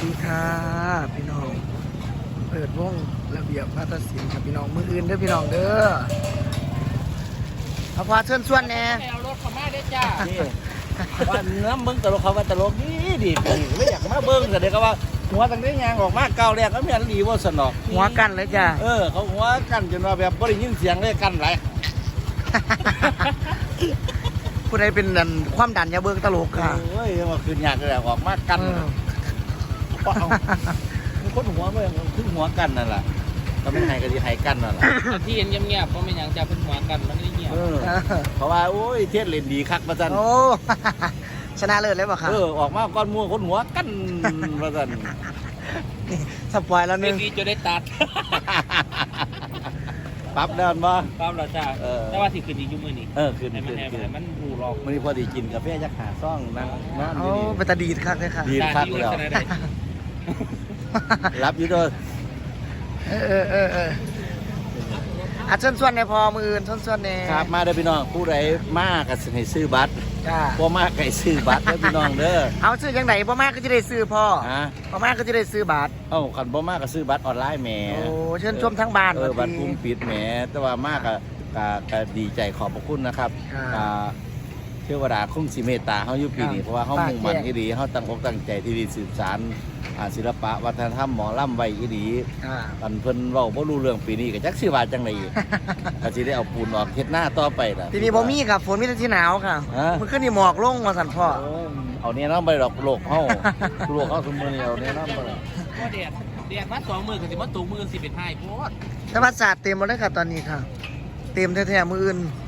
ดีค่ะพี่น้องเปิดวงระเบียบวัฒนศิลป์ครับพี่น้องมืออื่นเด้อพี่น้องเด้อเอาพาเชิญชวนแน่เอารถเข้ามาได้จ้านี่ว่าเนื้อเบิ้งตลกเขาว่าตลกดีไม่อยากมาเบิ้งแต่เด็กก็ว่าหัวตั้งแต่ยางออกมาเก่าแรกก็ไม่ดีว่าสนอกหัวกันเลยจ้ะเขาหัวกันจนว่าแบบบ่ได้ยินเสียงเลยกันไรผู้ใดเป็นความดันอยาเบิ่งตลกค่ะเฮ้ยมาคืนยากเลยออกมากันเปล่ามันคนหัวเมื่อคือหัวกันนั่นแหละก็ไม่ให้ก็ดีให้กันนั่นแหละที่เห็นเงียบๆเพราะไม่อย่างจะเป็นหัวกันมันไม่เงียบเพราะว่าโอ้ยเทียนเล่นดีคักประจันโอ้ ชนะเลิศเลยป่ะคะออกมาก้อนมัวคนหัวกันประจันนี่สปอยแล้วนึเป็นงดีจะได้ตัดปั๊บเดินบ่ปั๊บเราจ้าแต่ว่าที่คืนดีอยู่มือนี่คืนให้มันแอบมันรูหลอกมันพอดีกินกาแฟยักษ์หาซ่องนั่งนั่นโอ้เป็นตาดีดคักเลยค่ะดีคักแล้วรับอยู่ด้วยอาเชิญชวนในพอมืออื่นเชิญชวนในครับมาเด้อพี่น้องผู้ใดมากก็ให้ซื้อบัตรจ้าบ่มากก็ให้ซื้อบัตรเด้อพี่น้องเด้อเอาซื้อยังไงพ่อมากก็จะได้ซื้อพ่อฮะพ่อมากก็จะได้ซื้อบัตรคันบ่มากก็ซื้อบัตรออนไลน์แหมโอ้เชิญชมทั้งบ้านบัตรกลุ่มปิดแหมแต่ว่ามากก็ดีใจขอบพระคุณนะครับเทวดาคงสิเมตตาเฮาอยู่ปีนี้เพราะว่าเฮามุ่งมั่นอีหลีเฮาตั้งอกตั้งใจที่ดีสืบสานศิลปะวัฒนธรรมหมอลำไว้อีหลีอันเพิ่นเว้าบ่รู้เรื่องปีนี้ก็จักสิว่าจังได๋ก็สิได้เอาปูนออกเฮ็ดหน้าต่อไปล่ะทีนี้บ่มีครับฝนมีแต่ที่หนาวค่ะมันขึ้นนี่หมอกลงมาสั่นพ่อเอาเนี่ยน้ำไปดอกโลกเฮาโลกเฮาซุมื้อนี้เอาเนี่ยน้ำไปก็แดดมา2 มื้อก็สิมาตูมือสิเป็นไห้โพดธรรมศาสตร์เต็มหมดเลยค่ะตอนนี้ค่ะ เต็มแท้ๆมืออื่น